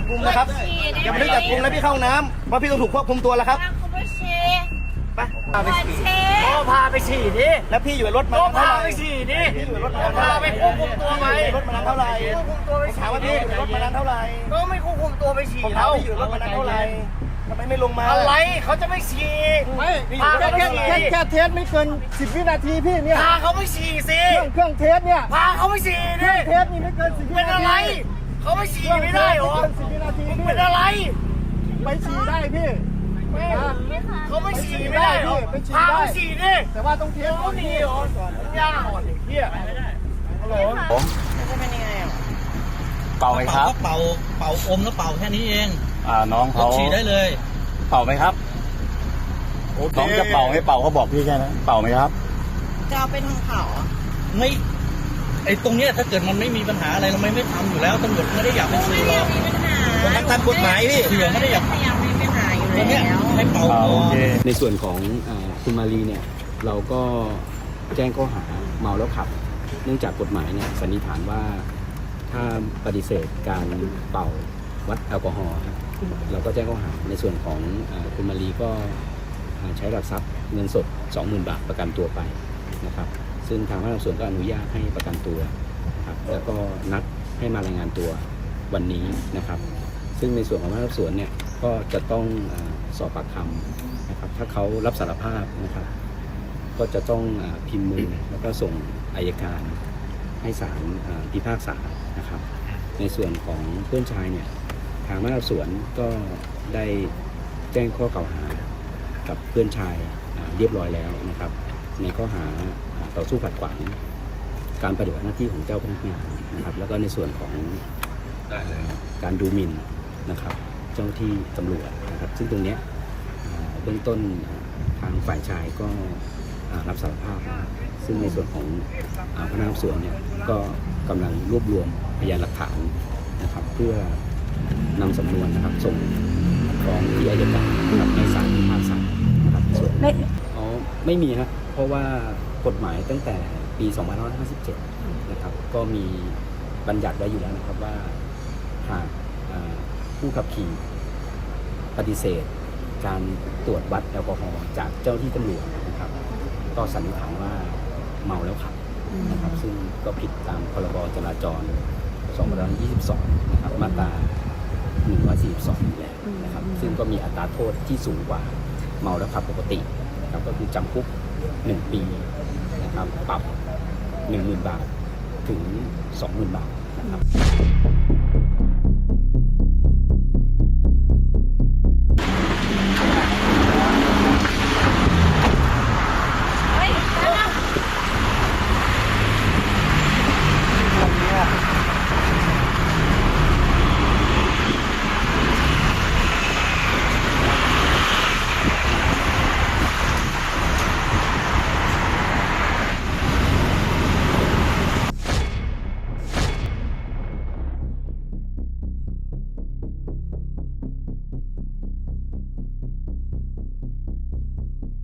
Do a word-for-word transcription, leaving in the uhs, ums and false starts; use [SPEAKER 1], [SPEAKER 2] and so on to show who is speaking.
[SPEAKER 1] บกุมนะครับอย่าบันทึกจับกุมแล้วพี่เข้าน้ำเพราะพี่ต้องถูกควบคุมตัวแล้วครับไปพาไปฉี่ก็พาไปฉี่ดิแล้วพี่อยู่รถมาเท่าไหร่ไปฉี่ดิพี่อยู่รถมาพาไปควบคุมตัวไหมรถมานานเท่าไหร่ควบคุมตัวไปถามว่าพี่อยู่รถมานานเท่าไหร่ก็ไม่ควบคุมตัวไปฉี่แล้วพี่อยู่รถมานานเท่าไหร่ทำไมไม่ลงมาอะไรเขาจะไม่ฉี่ไม่พาแค่แค่แค่เทสไม่เกินสิบวินาทีพี่เนี่ยพาเขาไม่ฉี่สิเครื่องเครื่องเทสเนี่ยพาเขาไม่ฉี่ดิเทสนี่ไม่เกินสิบวินาทีเป็นอะไรเขาไม่ฉี่ไม่ได้หรอสิบวินาทีเป็นอะไรไปฉี่ได้พี่เขาไม่ฉี่ไม่ได้หรอพาเขาฉี่ดิแต่ว่าต้องเทสก่อนนี่หรอยากอ่อนเด็กเหี้ยฮัลโหลผมจะเป็นยังไงอ่ะเป่าไหมครับเป่าเป่าอมแล้วเป่าแค่นี้เองอ่าน้องเขาฉี่ได้เลยเป่าไหมครับน้องจะเป่าให้เป่าเขาบอกพี่แค่นั้นเป่าไหมครับจะเอาไปทางเผาไม่ไอ้ตรงเนี้ยถ้าเกิดมันไม่มีปัญหาอะไรเราไม่ไม่ทำอยู่แล้วตำรวจไม่ได้อยากเป็นสื่อหรอกมันทำกฎหมายพี่เสียไม่ได้อยากมีปัญหาอยู่แล้วให้เป่า
[SPEAKER 2] ในส่วนของคุณมารีเนี่ยเราก็แจ้งข้อหาเมาแล้วขับเนื่องจากกฎหมายเนี่ยสันนิษฐานว่าถ้าปฏิเสธการเป่าวัดแอลกอฮอล์เราก็แจ้งข้อหาในส่วนของคุณมารีก็ใช้หลักทรัพย์เงินสด สองหมื่น บาทประกันตัวไปนะครับซึ่งทางพนักงานสอบสวนก็อนุญาตให้ประกันตัวครับแล้วก็นัดให้มารายงานตัววันนี้นะครับซึ่งในส่วนของพนักงานสอบสวนเนี่ยก็จะต้องสอบปากคำนะครับถ้าเขารับสารภาพนะครับก็จะต้องพิมพ์มือแล้วก็ส่งอัยการให้ศาลพิพากษานะครับในส่วนของเพื่อนชายเนี่ยทางพนักงานสอบสวนก็ได้แจ้งข้อกล่าวหากับเพื่อนชายเรียบร้อยแล้วนะครับในข้อหาต่อสู้ขัดขวางการปฏิบัติหน้าที่ของเจ้าพนักงานนะครับแล้วก็ในส่วนของการดูหมิ่นนะครับเจ้าหน้าที่ตำรวจนะครับซึ่งตรงนี้เบื้องต้นทางฝ่ายชายก็รับสารภาพซึ่งในส่วนของพนักงานสอบสวนเนี่ยก็กำลังรวบรวมพยานหลักฐานนะครับเพื่อนำสำนวนนะครับส่งฟ้องที่อัยการนะครับในศาลพิพากษานะครับส่วนอ๋อไม่มีครับเพราะว่ากฎหมายตั้งแต่ปีสองพันห้าร้อยห้าสิบเจ็ดนะครับก็มีบัญญัติไว้อยู่แล้วนะครับว่าหากผู้ขับขี่ปฏิเสธการตรวจวัดแอลกอฮอล์จากเจ้าที่ตำรวจนะครับก็สันนิษฐานว่าเมาแล้วขับนะครับซึ่งก็ผิดตามพรบจราจรสองพันห้าร้อยยี่สิบสองนะครับมาตราหนึ่งร้อยสี่สิบสองนะครับซึ่งก็มีอัตราโทษที่สูงกว่าเมาแล้วขับปกตินะครับก็คือจำคุกหนึ่งปีนะครับปรับหนึ่งหมื่นบาทถึงสองหมื่นบาทนะครับ